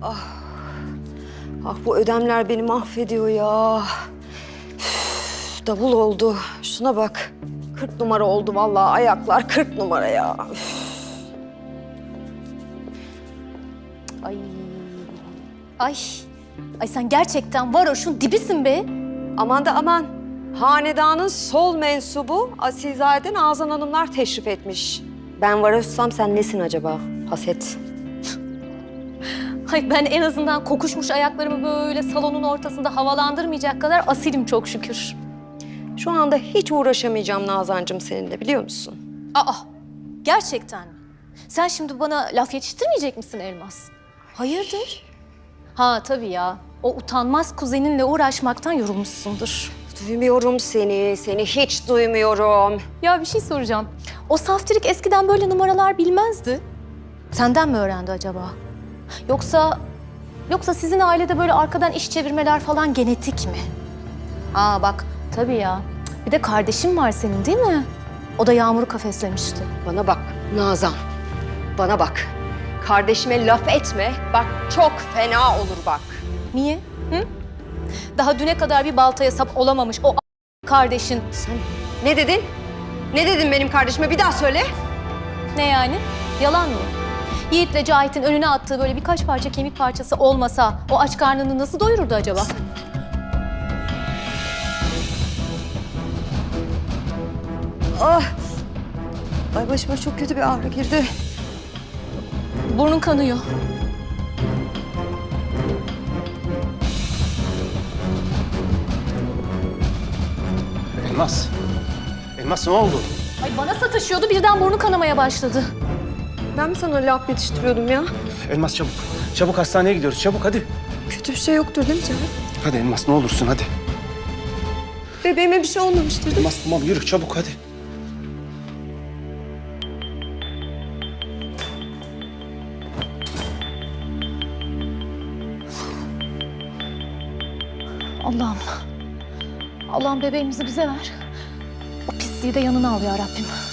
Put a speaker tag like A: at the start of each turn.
A: Ah bu ödemler beni mahvediyor ya. Üf, davul oldu. Şuna bak. 40 numara oldu vallahi ayaklar 40 numara ya. Üf.
B: Ay. Ay. Ay sen gerçekten varoşun dibisin be.
A: Aman da aman. Hanedanın sol mensubu Asilzade Nazan Hanımlar teşrif etmiş. Ben varoşsam sen nesin acaba? Haset.
B: Ay ben en azından kokuşmuş ayaklarımı böyle salonun ortasında havalandırmayacak kadar asilim çok şükür.
A: Şu anda hiç uğraşamayacağım Nazancığım seninle biliyor musun?
B: Aa, gerçekten mi? Sen şimdi bana laf yetiştirmeyecek misin Elmas? Hayırdır? Ha tabii ya. O utanmaz kuzeninle uğraşmaktan yorulmuşsundur.
A: Duymuyorum seni hiç duymuyorum.
B: Ya bir şey soracağım. O saftirik eskiden böyle numaralar bilmezdi. Senden mi öğrendi acaba? Yoksa sizin ailede böyle arkadan iş çevirmeler falan genetik mi? Aa bak tabii ya. Bir de kardeşin var senin değil mi? O da Yağmur'u kafeslemişti.
A: Bana bak Nazan, bana bak. Kardeşime laf etme, bak çok fena olur bak.
B: Niye? Hı? Daha düne kadar bir baltaya sap olamamış o kardeşin.
A: Sen ne dedin? Ne dedin benim kardeşime? Bir daha söyle.
B: Ne yani? Yalan mı? Yiğit'le Cahit'in önüne attığı böyle birkaç parça kemik parçası olmasa o aç karnını nasıl doyururdu acaba?
A: Ah! Ay başıma çok kötü bir ağrı girdi.
B: Burnun kanıyor.
C: Elmas. Elmas ne oldu?
B: Ay bana sataşıyordu birden burnu kanamaya başladı.
A: Ben mi sana laf yetiştiriyordum ya?
C: Elmas çabuk. Çabuk hastaneye gidiyoruz. Çabuk hadi.
A: Kötü bir şey yoktur değil mi canım?
C: Hadi Elmas ne olursun hadi.
A: Bebeğime bir şey olmamıştır değil mi?
C: Elmas tamam yürü çabuk hadi.
B: Allah'ım. Allah'ım bebeğimizi bize ver. O pisliği de yanına al ya Rabbim.